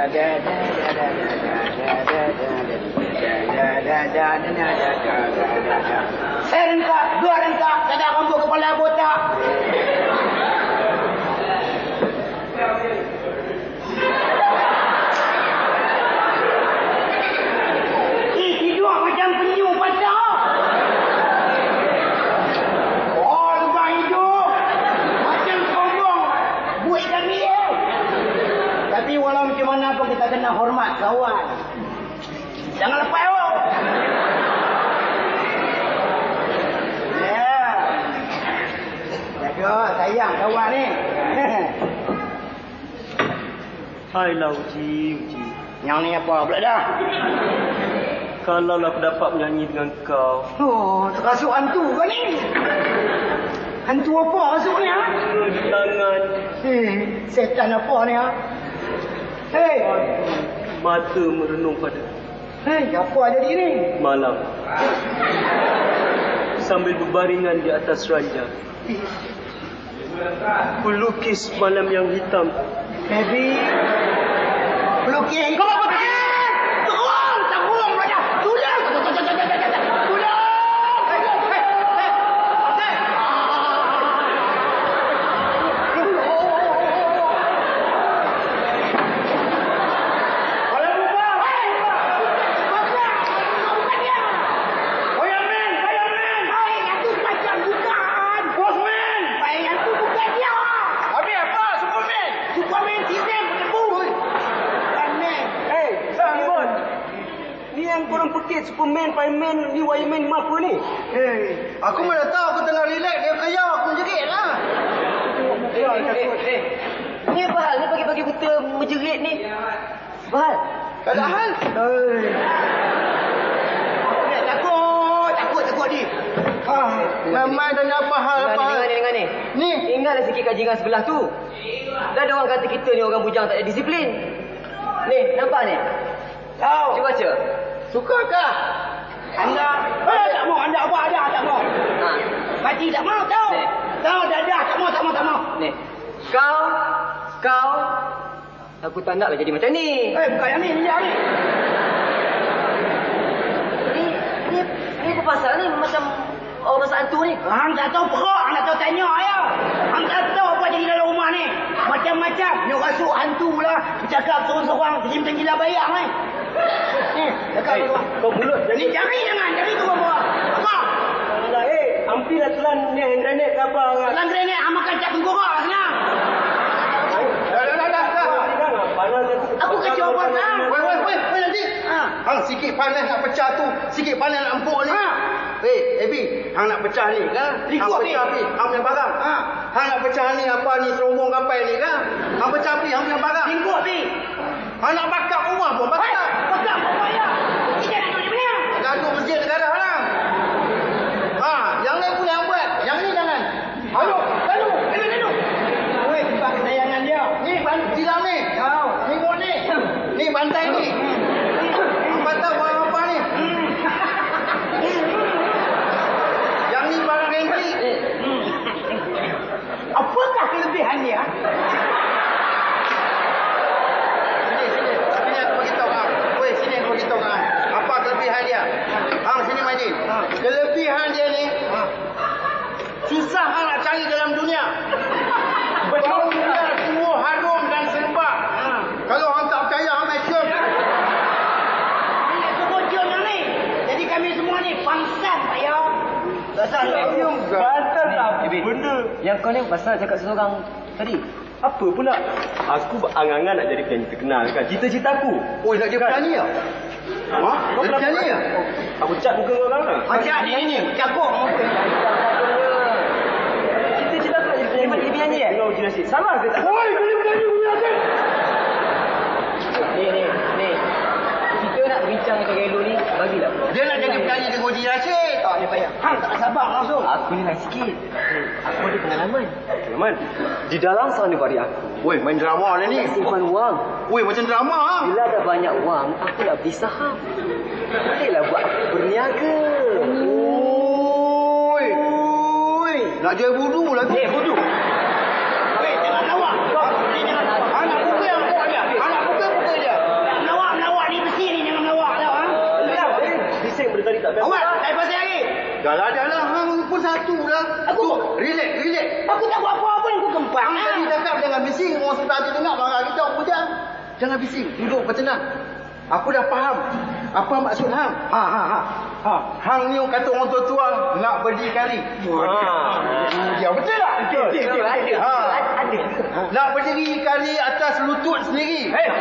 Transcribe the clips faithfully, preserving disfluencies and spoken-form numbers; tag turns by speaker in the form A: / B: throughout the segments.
A: Serengka, dua rengka, tak ada rambut kepala botak. Eh, tidur macam penyu pasar. Oh, lubang hidup. Macam sombong. Buat kami ya. Tapi walau macam mana pun kita kena hormat kawan. Jangan lepas oh. Ya. Jaga sayang kawan ni.
B: Hai lah Uji, Uji.
A: Yang ni apa pula dah?
B: Kalau aku dapat menyanyi dengan kau.
A: Oh, terasuk hantu ke ni? Hantu apa rasuk ni ha?
B: Di tangan.
A: Eh, setan apa ni ha? Hei.
B: Mata merenung pada
A: Hei, apa jadi ni?
B: malam. Sambil berbaringan di atas ranjang. Pelukis malam yang hitam.
A: Baby. Pelukis. Kau apa ni? Terung, terung raja. Tolong. Tolong.
B: Korang pekit Superman, Fireman, ni Wireman, ni apa ni?
A: Hei, aku mana tahu aku tengah relax dia kaya aku menjerit lah.
C: Eh, eh, eh. Ni apa hal ni pagi-pagi buta menjerit ni? Apa hal?
A: Tak ada hal. Hei. Aku nak takut, takut takut ni. Ha, memang dah nak apa hal apa.
C: Dengar ni, dengar ni.
A: Ni,
C: Ingatlah sikit kajian sebelah tu. Dah ada orang kata kita ni orang bujang tak ada disiplin. Ni, nampak ni?
A: tahu.
C: Cuba baca.
A: Sukakah? Anda, eh, tak mau, anda apa ada, tak mau.
C: Ha.
A: Mati tak mau, tahu.
C: Ni.
A: Tahu, dah dah, tak mau, tak mau, tak mau.
C: Ni. Kau, kau, aku tak naklah jadi macam ni.
A: Eh, bukan yang ni, ni yang ni.
C: Ni, ni, ni apa pasal ni? Macam orang pasal hantu ni.
A: Hang tak tahu perok, hang tak tahu tanya ya. Hang tak tahu apa jadi dalam rumah ni. Macam-macam. Ni rasuk hantu lah. Bercakap seorang-seorang. Macam gila bayang ni. Ni, cakap
B: Hey,
A: hey,
B: kau mulut
A: Ni
B: jadi.
A: jari jangan, jari tu bawa. Apa?
B: Alah, eh, hampirlah telan ni hand grenade ke apa.
A: Dalam grenade, hang makan cap tengkorak senang. Dah, dah, dah, dah. dah.
B: Panas
A: Aku kacau apa sekarang?
D: Weh, weh, weh, weh nanti.
A: Ha.
D: Hang sikit panas nak pecah tu, sikit panas nak empuk ni.
A: Ha.
D: Weh, Ebi, hang nak pecah ni kan?
A: Likut
D: Hang
A: ni.
D: pecah ni, hang punya barang.
A: Ha.
D: Hang nak pecah ni apa ni serombong kapal ni kan? Hang pecah ni, hang punya barang.
A: Tingkut ni.
D: Hang nak bakar rumah pun
A: Hai,
D: bakar.
A: bakar apa bayar? Kita nak duduk di mana?
D: Gaduh masjid negara lah. Ha, yang lain pun yang buat. Yang ni jangan.
A: Lalu, lalu, lalu, lalu. Weh, tempat kesayangan dia.
D: Ni ban tilam ni.
A: Kau.
D: Tengok ni. Ni bantai ni. Hang patah barang apa ni? Yang ni barang renti.
A: Apakah kelebihan dia?
D: Sini, sini. Sini aku beritahu hang. Weh, sini aku beritahu hang. Apa kelebihan dia? Hang sini mari. Kelebihan dia ni. Susah hang nak cari dalam dunia. Bau dia semua harum dan serba. Kalau hang tak percaya hang mai cium.
A: Ini kebocor yang ni. Jadi kami semua ni pangsan tak ya?
D: Dasar cium.
B: Bantal tak
C: Ebi.
B: benda.
C: Yang kau ni pasal cakap seseorang tadi.
B: Apa pula? Aku berangan-angan nak jadi penyanyi terkenal kan. Cita-citaku.
D: Oh, nak jadi penyanyi ya? Ha?
B: Kau
D: Jadi
B: kenapa
D: penyanyi ya?
B: Aku cat muka kau orang lah.
A: Macam ni ni, cakap muka.
C: Cita-cita aku nak jadi penyanyi. Jadi penyanyi eh?
B: Tengok uji nasib. Salah ke tak?
D: Oi, jadi penyanyi punya asyik.
C: Ni, ni, ni. Kita nak bincang dengan Gelo ni, bagilah.
D: Dia nak jadi penyanyi dengan Uji Rashid.
A: Tak ni payah. Hang tak sabar langsung.
C: Aku ni lain sikit. Aku ada pengalaman.
B: Teman, di dalam sana pada aku.
D: Woi, main drama lah ni.
C: Nak simpan wang.
D: Woi, macam drama ha.
C: Bila ada banyak wang, aku nak beli saham. Bolehlah buat berniaga.
D: Oi. Oi. Nak jual budu lagi.
C: Eh, bodoh.
A: Weh, jangan lawak. Kau ni jangan lawak.
D: Anak buka yang buka dia. Anak buka buka dia.
B: bising benda tadi tak best.
A: Awak, tak pasal lagi.
D: Dah lah, dah lah. Hang pun satu lah.
A: Aku-
D: Tu, relax, relax.
A: Aku tak buat apa-apa ni, aku gempang.
D: Hang tadi cakap jangan bising. Orang sudah tu dengar marah kita. Apa je? Jangan bising. Duduk bertenang. Aku dah faham. Apa maksud hang?
A: Ha, ha, ha. Ha.
D: Hang ni kata orang tua-tua nak berdikari. Dia betul tak?
C: Betul, betul. Ada.
D: Ha.
C: Ada.
D: Nak berdiri kari atas lutut sendiri.
C: Hei.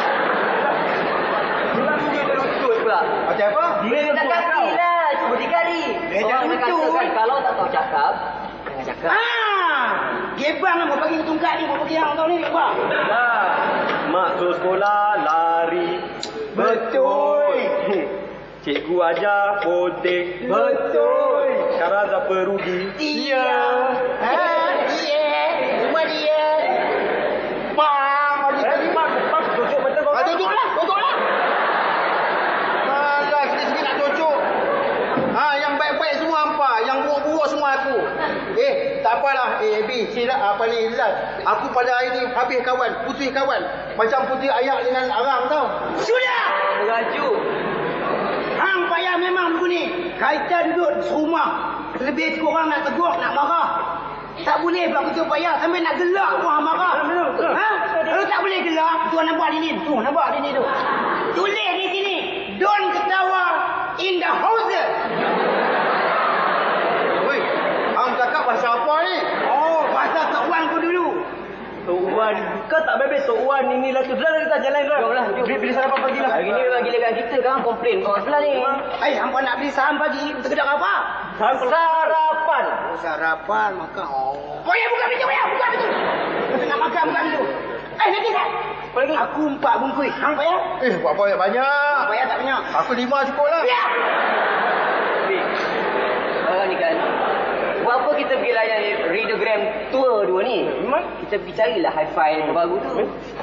C: Kenapa dia berlutut pula?
D: Macam apa?
C: Dia nak kaki lah. Cuba dikali.
A: Eh, jangan
C: Orang kata
A: lutut.
C: kan kalau tak tahu cakap, jangan cakap.
A: Ah, gebang lah, mau bagi tungkat ni, mau bagi hang tahu ni, gebang.
B: Lah, mak suruh sekolah lari.
A: Betul.
B: Cikgu ajar potek.
A: Betul.
B: Sekarang siapa rugi?
A: Iya. Ha, dia. Cuma dia. Bang,
B: Eh, mak, mak, cucuk betul kau.
A: Ah, tutup lah, tutup lah.
D: Alah, sikit-sikit nak cocok. Ha, yang baik-baik semua hampa, yang buruk-buruk semua aku. Eh, tak apalah. Eh, Abi, silap apa ni, Ilal. Aku pada hari ni habis kawan, putus kawan. Macam putih ayak dengan arang tau.
A: Sudah.
C: Merajuk.
A: Hang payah memang begini. Kita duduk serumah. Lebih kurang nak tegur, nak marah. Tak boleh pula kita payah sampai nak gelak pun hang marah. Ha? Kalau tak boleh gelak, tuan nampak di ni. Tu, nampak di ni tu. Tulis di sini. Don't ketawa in the house.
D: Woi, hang cakap pasal apa ni?
A: Oh, pasal Tok Wan ku dulu.
B: Tok Wan, kau tak bebek Tok Wan ini lah tu. Dah dah kita jalan dah.
C: Jom lah, jom.
B: Beli, beli sarapan pagi lah.
C: Hari ni memang gila kan kita kan komplain kau sebelah ni.
A: Eh, hampa nak beli saham pagi. Betul kedai apa?
B: Sarapan.
A: Oh, sarapan makan. Oh. Oh ya, buka pintu ya, buka pintu. Kita nak makan, buka pintu. Eh, nanti tak?
C: Apa lagi?
A: Aku empat bungkus. Hang payah?
D: Eh, buat apa banyak?
A: Hang payah tak banyak.
D: Aku lima cukup lah.
A: Ya.
C: Bik. Orang ni kan. Buat apa kita pergi layan Readogram tour dua ni?
B: Memang?
C: Kita pergi carilah hi-fi yang baru tu.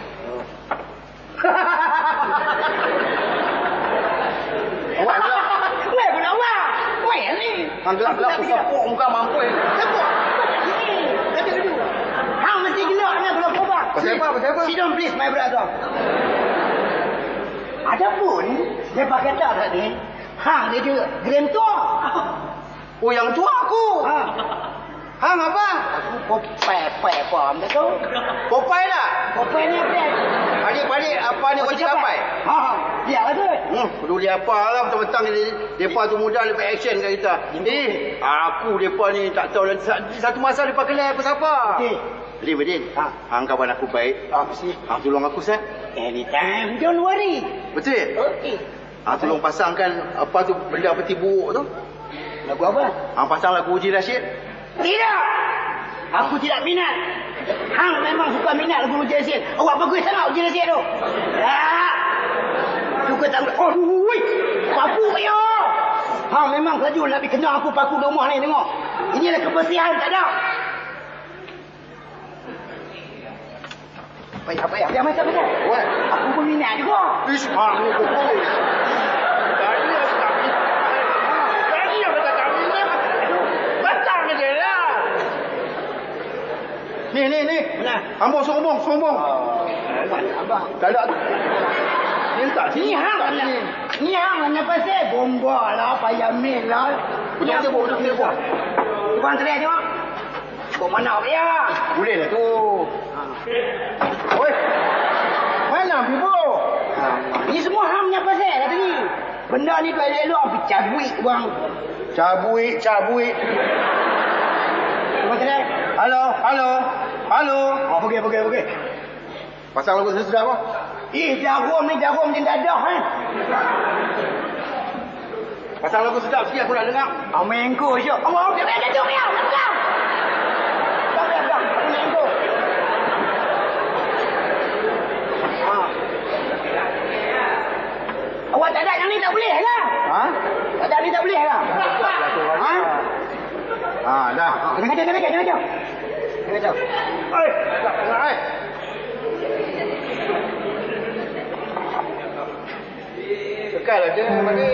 D: Awak gelap.
A: Weh, budak awak. Weh, ni.
D: Hang gelap-gelap aku sapuk muka mampu.
A: Sebut. Ini. Kata dulu. Hang mesti gelak ni kalau kau buat.
D: Pasal apa? Pasal apa?
A: Sit down please, my brother. Adapun, dia pakai tak tadi. Hang dia juga grand tour.
D: Oh, yang tua aku.
A: Ha.
D: Hang apa?
A: Aku popai-pai apa macam tu.
D: Popeye lah.
A: Popai ni apa?
D: Adik-adik apa ni wajib sampai?
A: Ha, dia ada.
D: Hmm, peduli apa lah betul-betul ni. Depa tu mudah lepas action kat kita. Eh, aku depa ni tak tahu satu masa depa kenal aku siapa.
A: Okey.
D: Bedin, Bedin.
A: Ha.
D: Hang kawan aku baik.
A: Ah, mesti.
D: Hang tolong aku set.
A: Anytime, don't worry.
D: Betul ya?
A: Okey.
D: Hang tolong pasangkan apa tu benda peti buruk tu.
A: Lagu apa?
D: Hang pasang lagu Uji Rashid.
A: Tidak. Aku tidak minat. Hang memang suka minat lagu Uji Rashid. Awak bagus sangat Uji Rashid tu. Tak. Suka tak. Oh, wui. Paku ya. Hang memang saja nak pergi kena aku paku di rumah ni tengok. Ini adalah kebersihan tak ada. Payah, payah. Dia macam apa?
D: Wah,
A: Aku pun minat juga.
D: ish, hang ni bagus. Tadi aku tak minat. Tadi aku tak minat. Batang je lah. Ni, ni, ni.
A: Mana?
D: Ambong, sombong, sombong.
A: Abang.
D: Tak ada. Ni tak
A: Ni
D: sini.
A: hang
D: tak
A: nak.
D: sini.
A: Ni hang nak pasal bomba lah, payah mil lah.
D: Betul betul betul betul. betul.
A: Tuan terai tengok. Kau mana dia?
D: Boleh lah tu. Oi. Mana Bibo?
A: Ni semua hang punya pasal kata ni. Benda ni tu elok-elok pergi cabuik bang.
D: Cabuik, cabuik.
A: Tuan terai.
D: Halo, halo. Halo.
A: Oh, pergi, pergi, pergi.
D: Pasang lagu sedap apa?
A: Eh, jarum ni jarum macam dadah kan.
D: Pasang lagu sedap sikit aku nak dengar.
A: Amin kau je. Allah, dia ada tu dia. Pegang. Tak boleh pegang. Amin kau. Ha. Awak tak ada yang ni tak boleh lah.
D: Ha?
A: Tak ada ni tak boleh lah. Ha?
D: Ha, dah.
A: Jangan kacau, jangan kacau, jangan kacau. Jangan kacau.
D: Oi, tak dengar ai. Sekal aja bagi.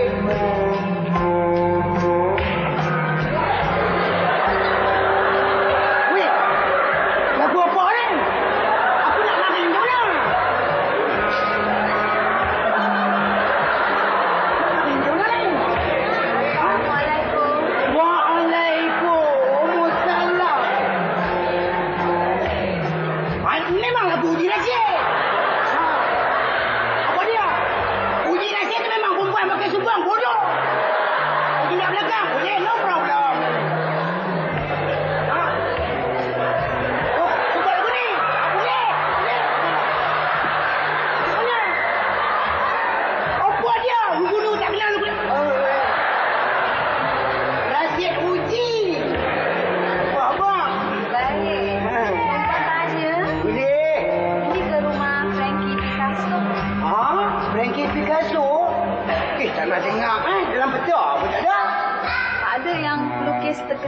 A: Weh, lagu apa ni? Aku nak lari macam mana? Lari macam mana ni?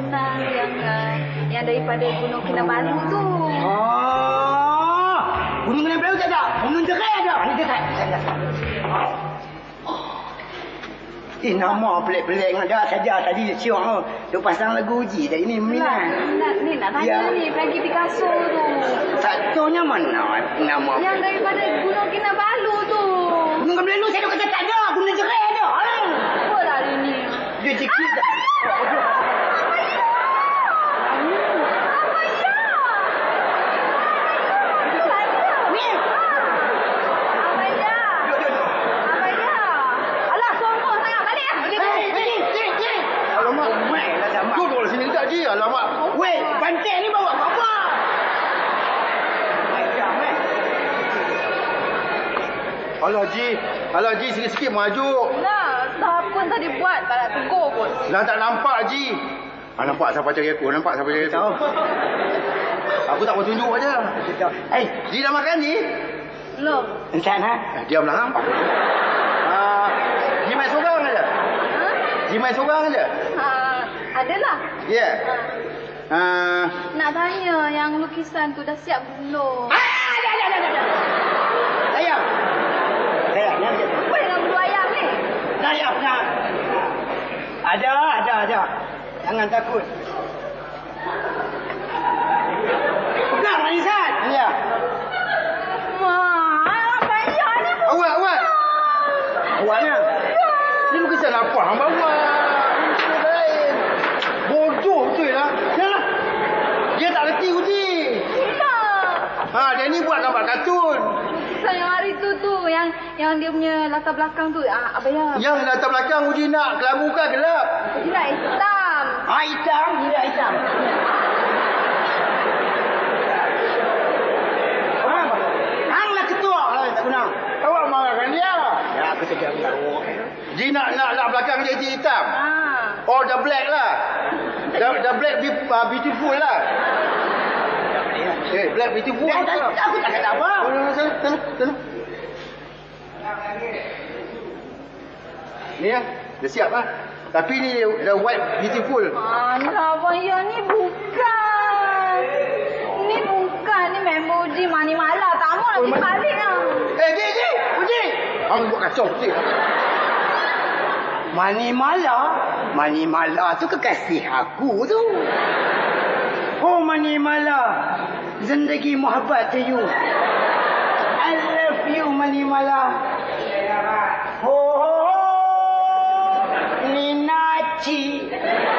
E: Nina yang uh, yang daripada Gunung Kinabalu tu.
A: Oh, Gunung Kinabalu tak ada. Gunung Jerai ada. Ni dekat. Eh, nama pelik-pelik ada saja tadi siok tu. Duk pasang lagu uji tadi ni
E: Nak,
A: minat.
E: nak, ni nak tanya
A: Ya.
E: ni, Peggy Picasso tu.
A: Tak tahunya mana nama.
E: Yang daripada Gunung Kinabalu tu.
A: Gunung Kinabalu saya duk kata tak ada. Gunung Jerai ada. Ah.
E: Apa lah hari ni?
A: Dia cikit tak?
D: Duduk sini tak je. Alamak.
A: Weh, bantai ni bawa apa? Macam eh.
D: Alah Ji. Alah Ji, sikit-sikit maju.
E: Nah, dah pun tadi buat, tak nak tegur pun.
D: Dah tak nampak Ji. Ah, nampak siapa cari aku. Nampak siapa cari aku.
A: Tahu.
D: Aku tak mau tunjuk aja.
A: Eh,
D: Ji dah makan Ji?
E: Belum.
A: ensan ha?
D: Eh, diamlah hang. Ah, Ji main seorang aja.
E: Ha?
D: Ji main seorang aja.
E: Ha, adalah.
D: Ya. Yeah. Ah,
E: Nak tanya yang lukisan tu dah siap belum?
A: Ah, ada, ada, ada, ada. Saya. Saya, nak je.
E: Apa dengan bulu ayam ni?
A: Saya nak. Ada, ada, ada. Jangan takut. Pegang, Manisan. Ya.
E: Wah, payah ni pun.
D: awak, awak.
A: Awaknya.
D: Ni lukisan apa hang bawa? Lukisan lain. Bodoh betul lah. Yalah. Dia tak reti uji.
E: Tidak.
D: Ha, dia ni buat gambar kartun.
E: Lukisan yang hari tu tu, yang yang dia punya latar belakang tu, ah, abang ya.
D: Yang latar belakang uji nak kelabu kan gelap.
E: Tidak hitam.
A: Ah, hitam. Tidak hitam. Faham? Hang lah ketua lah, tak guna.
D: Awak marahkan dia.
A: Ya, aku sedang tahu.
D: Ji nak nak nak belakang dia je hitam.
E: Ah.
D: Oh, the black lah. The, the black be, uh, beautiful lah. Eh, black beautiful.
A: Dah, dah, aku tak kata apa.
D: Oh, sana, sana, sana. Ni ya, dah siap lah. Tapi ni the white beautiful.
E: Alah, abang ya ni bukan. Ni bukan. Ni member Uji Mani Mala. Tak mau
D: Oh,
E: lagi
D: Ma-
E: balik lah.
D: Eh, Ji, Ji, Uji. Aku buat kacau, Ji.
A: Mani Mala? Mani Mala tu kekasih aku tu. Oh, Mani Mala. Zindagi muhabbat to you. I love you, Mani Mala. Ho, ho, ho. Ninachi.